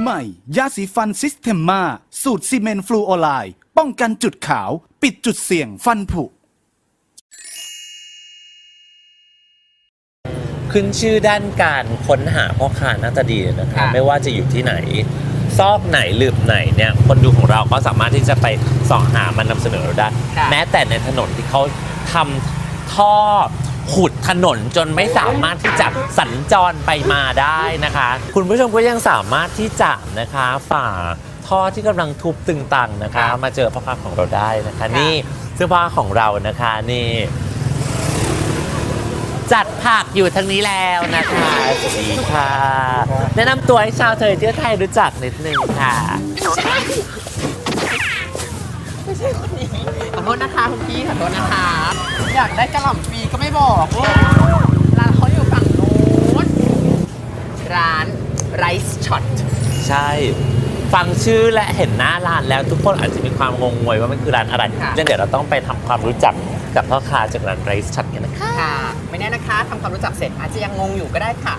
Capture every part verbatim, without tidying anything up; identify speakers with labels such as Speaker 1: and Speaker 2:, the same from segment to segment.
Speaker 1: ใหม่ยาสีฟันซิสเทมมาสูตรซีเมนต์ฟลูออไลด์ป้องกันจุดขาวปิดจุดเสี่ยงฟันผุ
Speaker 2: ขึ้นชื่อด้านการค้นหาพ่อค้าหน้าตาดีนะคะไม่ว่าจะอยู่ที่ไหนซอกไหนหลืบไหนเนี่ยคนดูของเราก็สามารถที่จะไปส่องหามันนำเสนอเราได้แม้แต่ในถนนที่เขาทำท่อขุดถนนจนไม่สามารถที่จะสัญจรไปมาได้นะคะคุณผู้ชมก็ยังสามารถที่จะนะคะฝ่าท่อที่กำลังทุบตึงตังนะคะมาเจอพ่อค้าของเราได้นะคะนี่เสื้อผ้าของเรานะคะนี่จัดผักอยู่ทางนี้แล้วนะคะสวัสดีค่ะแนะนำตัวให้ชาวเทยเที่ยวไทยรู้จักนิดนึงค่ะ
Speaker 3: ไม่ใช่คนนี้ขอโทษนะคะคุณพี่ขอโทษนะคะอยากได้กระหล่ำปีก็ไม่บอกร้านเขาอยู่ฝั่งโน้นร้านไรซ์ช็อต
Speaker 2: ใช่ฟังชื่อและเห็นหน้าร้านแล้วทุกคนอาจจะมีความงงงวยว่ามันคือร้านอะไรงั้นเดี๋ยวเราต้องไปทำความรู้จักกับพ่อค้าจากร้านไรซ์ช็อตกันนะคะ
Speaker 3: ค่ะไม่แน่นะคะทำความรู้จักเสร็จอาจจะยังงงอยู่ก็ได้ค่ะ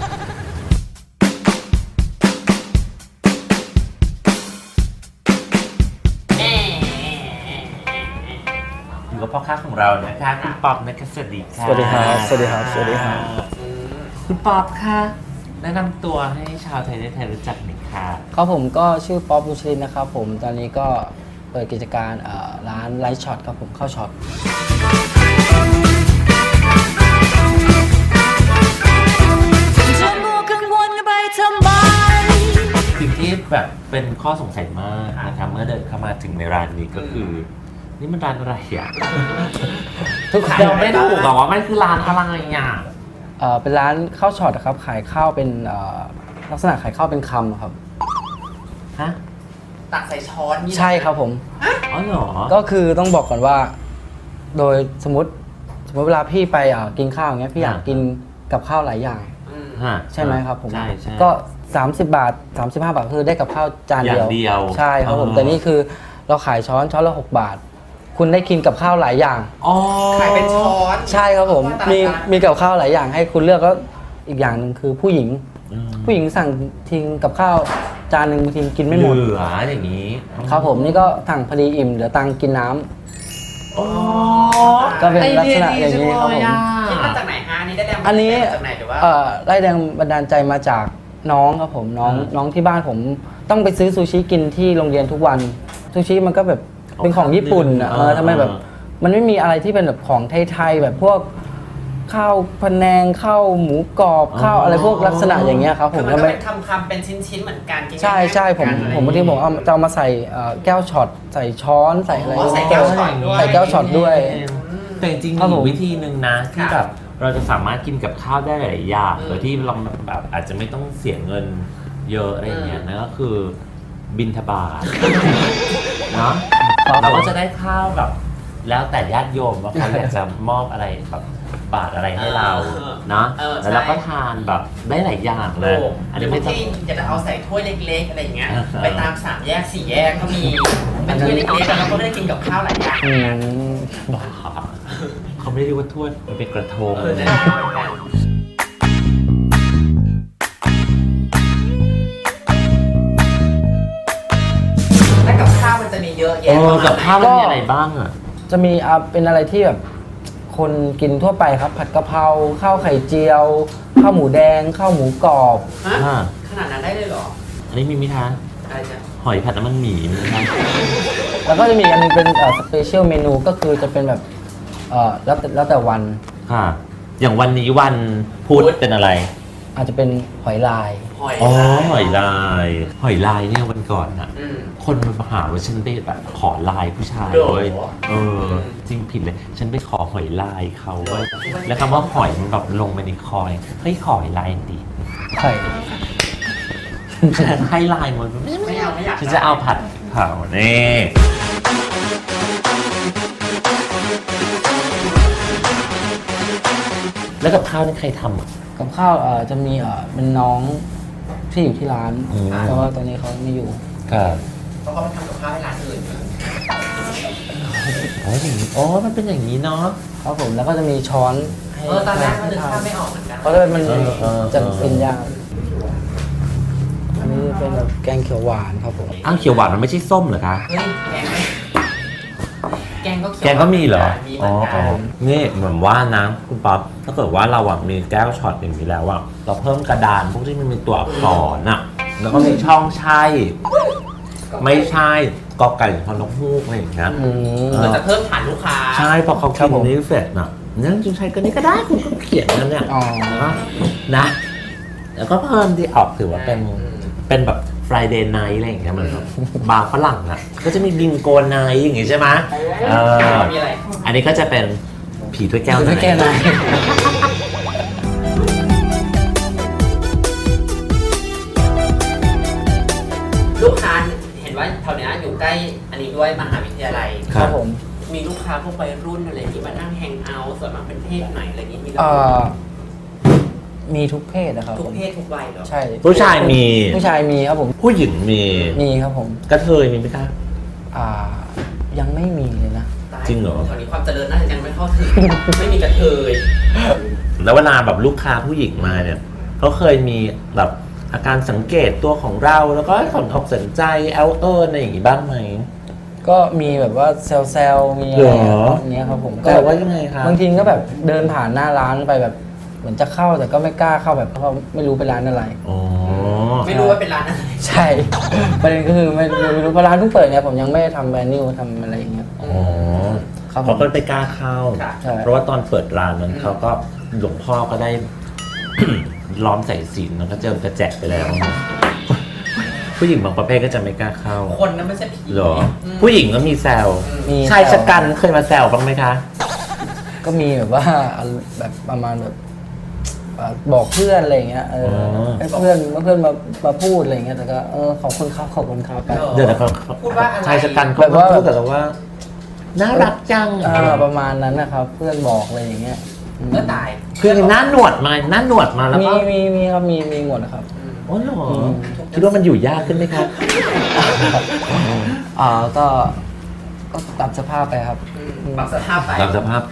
Speaker 2: อยู่กับพ่อค้าของเรานะคะคุณป๊อบนะคะสวัสดีค่ะ
Speaker 4: สวัสดีครับสวัสดีครับสวัสดีครับ
Speaker 2: คุณป๊อบค่ะแนะนำตัวให้ชาวไทยได้ไทยรู้จักหน่อยค่ะ
Speaker 4: ครับผมก็ชื่อป๊อบบุชรินนะครับผมตอนนี้ก็เปิดกิจการร้านไลท์ช็อตครับผมเข้าช็อต
Speaker 2: สิ่งที่แบบเป็นข้อสงสัยมากนะครับเมื่อเดินเข้ามาถึงในร้านนี้ก็คือนี่มันร้านอะไรอ่ะทุกคนเราไม่ถูกหรอกว่ามันคือร้านอะไรอ่ะ
Speaker 4: เป็นร้านข้าวช็อตครับขายข้าวเป็นลักษณะขายข้าวเป็นคำครับ
Speaker 2: ฮะ
Speaker 3: ตักใส่ช้อน
Speaker 4: ใช่ครับผม
Speaker 2: อ๋อเหรอ
Speaker 4: ก็คือต้องบอกก่อนว่าโดยสมมติสมมติเวลาพี่ไปกินข้าวอย่างเงี้ยพี่อยากกินกับข้าวหลายอย่างใช่ไหมครับผมก็สามสิบบาทสามสิบห้าบาทคือได้กับข้าวจานเดียวใช่ครับผมแต่นี่คือเราขายช้อนช้อนละหกบาทคุณได้กินกับข้าวหลายอย่าง
Speaker 3: ขายเป็นช้อน
Speaker 4: ใช่ครับผมมีมีกับข้าวหลายอย่างให้คุณเลือกแล้วอีกอย่างหนึ่งคือผู้หญิงผู้หญิงสั่งทิ้งกับข้าวจานหนึ่งบางทีกินไม่หมด
Speaker 2: เหลืออย่างนี้
Speaker 4: ครับผมนี่ก็สั่งพอดีอิ่มเดี๋ยวตังกินน้ำก็เป็นลักษณะอย่างนี้ครับผม
Speaker 3: คิดมาจากไหนฮะนี่ได้แรง
Speaker 4: อันนี้
Speaker 3: จากไหนหรือว่า
Speaker 4: ได้แรงบันดาลใจมาจากน้องครับผมน้องน้องที่บ้านผมต้องไปซื้อซูชิกินที่โรงเรียนทุกวันซูชิมันก็แบบเป็นของญี่ปุ่นอ่ะเออทำไมแบบมันไม่มีอะไรที่เป็นแบบของไทยๆแบบพวกข้าวพะแนงข้าวหมูกรอบข้าวอะไรพวกลักษณะอย่างเงี้ยครับผม
Speaker 3: ก็เป็นคำๆเป็นชิ้นๆเหมือนกัน
Speaker 4: ใช่ใช่ผมผมบางทีผมเอาจะเอามาใส่แก้วช็อตใส่ช้อนใส่อะไร
Speaker 3: ใส่แก้วช็อตด้วย
Speaker 4: ใส่แก้วช็อตด้วย
Speaker 2: แต่จริงๆมีวิธีหนึ่งนะที่แบบเราจะสามารถกินกับข้าวได้หลายอย่างโดยที่เราแบบอาจจะไม่ต้องเสียเงินเยอะอะไรอย่างเงี้ยนั่นก็คือบิณฑบาตเนาะเราก็จะได้ข้าวแบบแล้วแต่ญาติโยมว่าเขาอยากจะมอบอะไรแบบบาตรอะไรให้เราเนาะแล้วเราก็ทานแบบได้หลายอย่างเลย
Speaker 3: อันนี้ไม่ใช่จะเอาใส่ถ้วยเล็กๆอะไรอย่างเงี้ยไปตามสามแยกสี่แยกก็มีเป็นถ้วยเล็กๆแล้วก็ไม่ได้กินกับข้าวหลายอย่าง
Speaker 2: บ้าเขาไม่ได้เรียกว่าถ้วยมันเป็นกระทง
Speaker 3: แล้วกับข้าวมันจะมีเยอะแยะ
Speaker 2: กับข้าวมันมีอะไรบ้างอ่ะ
Speaker 4: จะมีอ่ะเป็นอะไรที่แบบคนกินทั่วไปครับผัดกะเพราข้าวไข่เจียวข้าวหมูแดงข้าวหมูกรอบ
Speaker 3: ขนาดนั้นได้เลยเหรอ
Speaker 2: อันนี้มีมิทา
Speaker 3: อะไรจ๊ะ
Speaker 2: หอยผัดน้ำมันหมี่มีไหม
Speaker 4: แล้วก็จะมีอันนึงเป็นสเปเชียลเมนูก็คือจะเป็นแบบเอ่อแล้วแต่แล้วแต่วัน
Speaker 2: ค่ะอย่างวันนี้วันพุธเป็นอะไร
Speaker 4: อาจจะเป็นหอยลาย
Speaker 2: อ๋อหอยลายหอยลายเนี่ยวันก่อนอ่ะคนมาหาว่าฉันไปแบบขอลายผู้ชายเลยเออจริงผิดเลยฉันไปขอหอยลายเขาเว้ยแล้วคำว่าหอยมันแบบลงไปในคอยเฮ้ยขอหอยลายดิ
Speaker 4: ใช่
Speaker 2: ฉันให้ลายมัน
Speaker 3: ไม่เอาไม่อยาก
Speaker 2: ฉันจะเอาผัดเผาเนี่แล้วกับข้าวนี่ใครทำอ่ะ
Speaker 4: กับข้าวเอ่อจะมีเอ่อเป็นน้องที่อยู่ที่ร้านแต่ว่าตอนนี้เขาไม่อยู่
Speaker 2: ครับ
Speaker 3: เพราะเขาไปทำกับข้าวให้ร้านอื่น
Speaker 2: อ๋ออย่างนี้อ๋อมันเป็นอย่างนี้เนาะ
Speaker 4: ครับผมแล้วก็จะมีช้อน
Speaker 3: ให้เออตอนแรกมันจะทำไม่ออกเหมือนกัน
Speaker 4: เพราะว่ามันจะเป็นยากอันนี้คือเป็นแบบแกงเขียวหวานครับผม
Speaker 2: อ้าวเขียวหวานมันไม่ใช่ส้มเหรอคะ
Speaker 3: เฮ้ยแกงไหมแกงก็เขียว
Speaker 2: แกงก็มีเหรอ
Speaker 3: มีเห
Speaker 2: อ๋
Speaker 3: มื
Speaker 2: อ
Speaker 3: อนกั
Speaker 2: อ๋อน นี่เหมือนว่านะคุณป๊อปถ้าเกิดว่าเราอะมีแก้วช็อตอย่างนี้แล้วอะเราเพิ่มกระดานพวกที่มันมีตัวอักษรอะแล้วก็มีช่องใช่ ไม่ใช่กอไก่พอนกฮูกอะไรอย่างเงี้ย
Speaker 4: อืม
Speaker 3: เหมือนจะเพิ่มฐานลูกค้า
Speaker 2: ใช่พอเขา
Speaker 4: ครั
Speaker 2: กิ
Speaker 4: บผม
Speaker 2: นนี้เสร็จน่ะนั่นจริงใช้ก็นี้ก็ได้คุณก็เขียนนั่นเนี่ย
Speaker 4: อ๋อ
Speaker 2: นะ แล้วก็เพิ่มที่ออกถือว่าเป็นเป็นแบบ Friday night อะไรอย่างเงี้ยมันแบบบาร์ฝรั่งอ่ะ ก็จะมีบิงโกไนท์อย่างงี้ใช่ไหมเออ
Speaker 3: มีอะไร
Speaker 2: อันนี้ก็จะเป็นผีถ้วยแก้ว
Speaker 4: ไม่แก้ไหน
Speaker 3: ลูกค้าเห็นว่าแถวเนี้ยอยู่ใกล้อันนี้ด้วยมหาวิทยาลัย
Speaker 4: ครับผม
Speaker 3: มีลูกค้าพวกวัยรุ่นอะไรที่มานั่งแฮงเอาท์ส่วนมากเป็นเพศไหนอะไรอย่างงี้มี
Speaker 4: เอ่อมีทุกเพศนะครับ
Speaker 3: ทุก
Speaker 4: ผม
Speaker 3: เพศทุกวัยเหรอ
Speaker 4: ใช่
Speaker 2: ผู้ชายมี
Speaker 4: ผู้ชายมีครับผม
Speaker 2: ผู้หญิงมี
Speaker 4: มีครับผม
Speaker 2: กระเทยมีไหมคะ
Speaker 4: อ่ายังไม่มีเลยนะ
Speaker 3: ตาย
Speaker 2: จริงเหรอ
Speaker 3: แถวนี้ความเจริญน่าจะยังไม่เข้าถึง ไม่มีกระเทย
Speaker 2: แล้วเวลาแบบลูกค้าผู้หญิงมาเนี่ยเขาเคยมีแบบอาการสังเกตตัวของเราแล้วก็สนอกสนใจเอลเอิร์อะไรอย่างงี้บ้างไหม
Speaker 4: ก็มีแบบว่าเซลเซลมีอะไร
Speaker 2: เหรอ
Speaker 4: อย่างเงี้ยครับผม
Speaker 2: แต่ว่ายังไงคะ
Speaker 4: บางทีก็แบบเดินผ่านหน้าร้านไปแบบเหมือนจะเข้าแต่ก็ไม่กล้าเข้าแบบเพราะไม่รู้เป็นร้านอะไร
Speaker 2: อ๋อ
Speaker 3: ไม่รู้ว่าเป็นร้านอะไร
Speaker 4: ใช่ ประเด็นก็คือไม่ไม่รู้เพราะร้านเพิ่งเปิดเนี่ยผมยังไม่ได้ทำแมนนิวทำอะไรอย่างเงี้ย
Speaker 2: อ๋อ
Speaker 4: ครับผม
Speaker 2: เขาก็ไม่กล้าเข้า
Speaker 3: ค่ะ
Speaker 4: ใช่
Speaker 2: เพราะว่าตอนเปิดร้านนั้นเขาก็หลวงพ่อก็ได้ ล้อมใส่ศีลแล้วก็เจิมกระแจกไปแล้ว ผู้หญิงบางประเภทก็จะไม่กล้าเข้า
Speaker 3: คนนั้นไม่ใช่ผี
Speaker 2: เหรอ
Speaker 3: ม
Speaker 2: ผู้หญิงก็มีแซว
Speaker 4: มี
Speaker 2: ชายชะกันเคยมาแซวบ้างไหมคะ
Speaker 4: ก็มีแบบว่าแบบประมาณแบบเอ่อบอกเพื่อนอะไรอย่างเงี้ยเออ
Speaker 2: อ
Speaker 4: ให้เพื่อนเพื่อนมามาพูดอะไรอย่างเงี้ยแต่ก็เออขอบคุณครับขอบคุณครับไป
Speaker 2: เดี๋ยวนะเขา
Speaker 3: พูดว่าอะไร
Speaker 2: ชายชะกันเขา
Speaker 4: แบบว่า
Speaker 2: พูดกับเราว่าน่ารักจัง
Speaker 4: เออประมาณนั้นนะครับ เพื่อนบอกอะไรอย่างเงี้ยอืม
Speaker 3: เมื่อตาย
Speaker 2: คือหน้าหนวดมาหน้าหนวดมาแล้ว
Speaker 4: มี
Speaker 2: ก็
Speaker 4: มีมีครับมีมีหมดนะครับ
Speaker 2: อ๋อเหรอคิดว่ามันอยู่ยากขึ้นไหมครับ
Speaker 4: อ่าก็ก็ตามสภาพไปครับ
Speaker 3: อืมปรับสภาพไป
Speaker 2: ตามสภาพ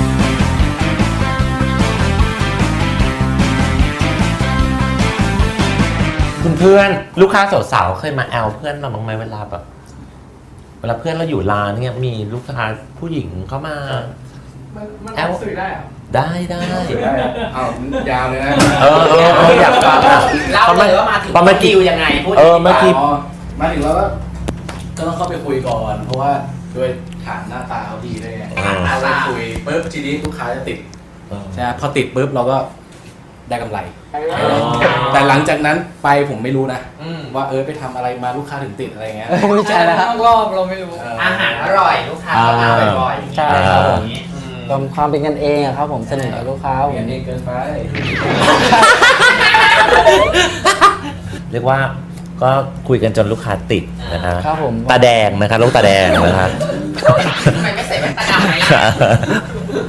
Speaker 2: คุณเพื่อนลูกค้าสาวๆเคยมาแอลเพื่อนเราบ้างไหมเวลาแบบ เวลาเพื่อนเราอยู่ร้านเนี่ยมีลูกค้าผู้หญิงเข้ามา
Speaker 3: มัน
Speaker 2: แอล
Speaker 3: สื่อได้เหรอ
Speaker 2: ได้ได้
Speaker 5: อ้าวยาวเลยนะ
Speaker 2: เออเออเอออยากฟังอ่ะ
Speaker 3: เล่าเลยว่ามาถึง
Speaker 2: พอเมื่อกี้
Speaker 3: ดิวยังไงพูด
Speaker 2: เออเมื่อกี้
Speaker 5: อ๋อมาถึงแล้วก็ก็ต้องเข้าไปคุยก่อน เพราะว่าด้วยฐานหน้าตาเขาดีด้วยไง
Speaker 2: อ่า
Speaker 5: เราไปคุยปุ๊บทีนี้ลูกค้าจะติดใช่ไหมพอติดปุ๊บเราก็ได้กำไร แต่หลังจากนั้นไปผมไม่รู้นะ
Speaker 3: อืม
Speaker 5: ว่าเออไปทำอะไรมาลูกค้าถึงติดอะไรเงี้ย
Speaker 4: ไม่ใช่แล้วครับ
Speaker 3: รอบเราไม่รู้ อาหารอร่อยลูกค้าก็มาบ่อยๆ
Speaker 4: ใช่ครับผม
Speaker 3: อืม
Speaker 4: ความความเป็นกันเองอะครับผมสนิทกับลูกค้าผ
Speaker 5: เรีย
Speaker 4: ม
Speaker 5: นเองเกินไป
Speaker 2: เรียกว่าก็คุยกันจนลูกค้าติดนะคะ
Speaker 4: ครับผม
Speaker 2: ตาแดงนะคะลูกตาแดงนะคะ
Speaker 3: ทำไมไม่ใส่แว่นตาดำไหมล่ะ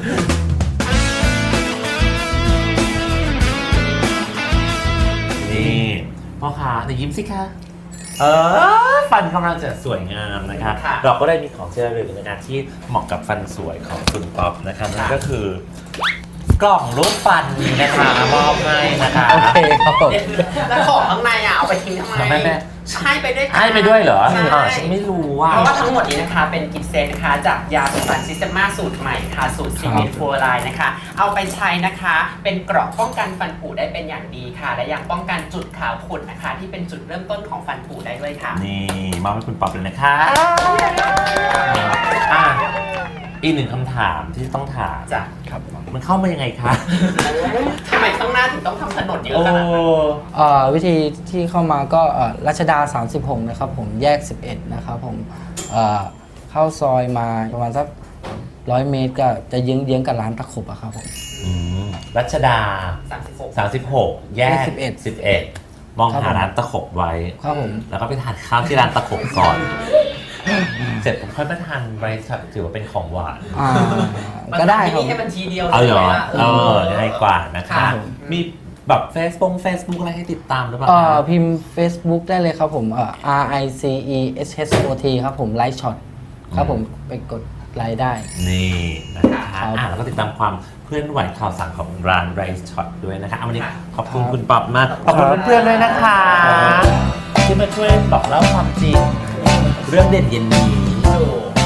Speaker 2: นี่พ่อค้าในยิ้มสิคะเออฟันกำลังจะสวยงามนะคะ
Speaker 3: ค่ะ
Speaker 2: เราก็ได้มีของที่ระลึกนะคะที่เหมาะกับฟันสวยของคุณป๊อปนะคะนั่นก็คือ กล่องรูปฟันนะคะมอบให้นะคะ
Speaker 4: โอเคครับผม
Speaker 3: แล้วของข้างในอ่ะเอาไปทิ้งทำไม
Speaker 2: ทำไมแม่
Speaker 3: ให้ไปด้วยกัน
Speaker 2: ให้ไปด้วยเหรอ
Speaker 3: ใช่
Speaker 2: อ่าฉันไม่รู้ว่า
Speaker 3: เพราะว่าทั้งหมดนี้นะคะเป็นกิฟต์เซตนะคะจากยาสมุนซิสเตมาสูตรใหม่ค่ะสูตรซีเมนต์ฟลูออไรด์นะคะ เอาไปใช้นะคะ เป็นเกราะป้องกันฟันผุได้เป็นอย่างดีค่ะ และยังป้องกันจุดขาวขุ่นนะคะ ที่เป็นจุดเริ่มต้นของฟันผุได้ด้วยค่ะ
Speaker 2: นี่มอบให้คุณป๊อปเลยนะคะอ่ะอีกหนึ่งคำถามที่ต้องถาม
Speaker 3: จ้ะ
Speaker 4: ครับ
Speaker 2: มันเข้ามายังไงคะ
Speaker 3: ทำไมข้างหน้าถึงต้องทำถนนเยอะ
Speaker 2: โอ้
Speaker 3: ขนาดนั้น
Speaker 4: เอ่อวิธีที่เข้ามาก็เอ่อรัชดา สามสิบหก นะครับผมแยก สิบเอ็ด นะครับผมเอ่อเข้าซอยมาประมาณสักร้อยเมตรก็จะเยื้องเยื้องๆกับร้านตะขบอะครับผม
Speaker 2: อืมรัชดา
Speaker 3: สามสิบหก
Speaker 2: สามสิบหกแยก
Speaker 4: สิบเอ็ด
Speaker 2: สิบเอ็ดมอง
Speaker 4: ครับ
Speaker 2: หา
Speaker 4: ผม
Speaker 2: ร้านตะขบไว้
Speaker 4: ครับผม
Speaker 2: แล้วก็ไปทานข้าวที่ร้านตะขบก่อน เสร็จผมค่อยมาทานไรซ์ถือว่าเป็นของหวาน
Speaker 4: อ่าก็ได้ครับ
Speaker 3: ที่นี่ให้บัญชีเดียว
Speaker 2: เอาเหรอ
Speaker 3: ลยะ
Speaker 2: เออง่ายกว่านะคะ
Speaker 3: ค่ะ
Speaker 2: มีแบบเฟซบุ๊กเฟซบุ๊กอะไรให้ติดตามหรือเปล่า
Speaker 4: เอ่อ
Speaker 2: คะ
Speaker 4: พิมพ์ Facebook ได้เลยครับผมเอ่อ R I C E S H O T ครับผมไลฟ์ช็อตครับผมไปกดรายได้
Speaker 2: นี่นะคะ
Speaker 4: ครับ
Speaker 2: อ่ะแล้วก็ติดตามความเคลื่อนไหวข่าวสารของร้าน Rice Shot ด้วยนะคะเอาวันนี้ขอบคุณคุณป๊อปมากขอบคุณเพื่อนๆด้วยนะคะ ที่มาช่วยบอกเล่าความจริง เรื่องเด่นเย็นนี้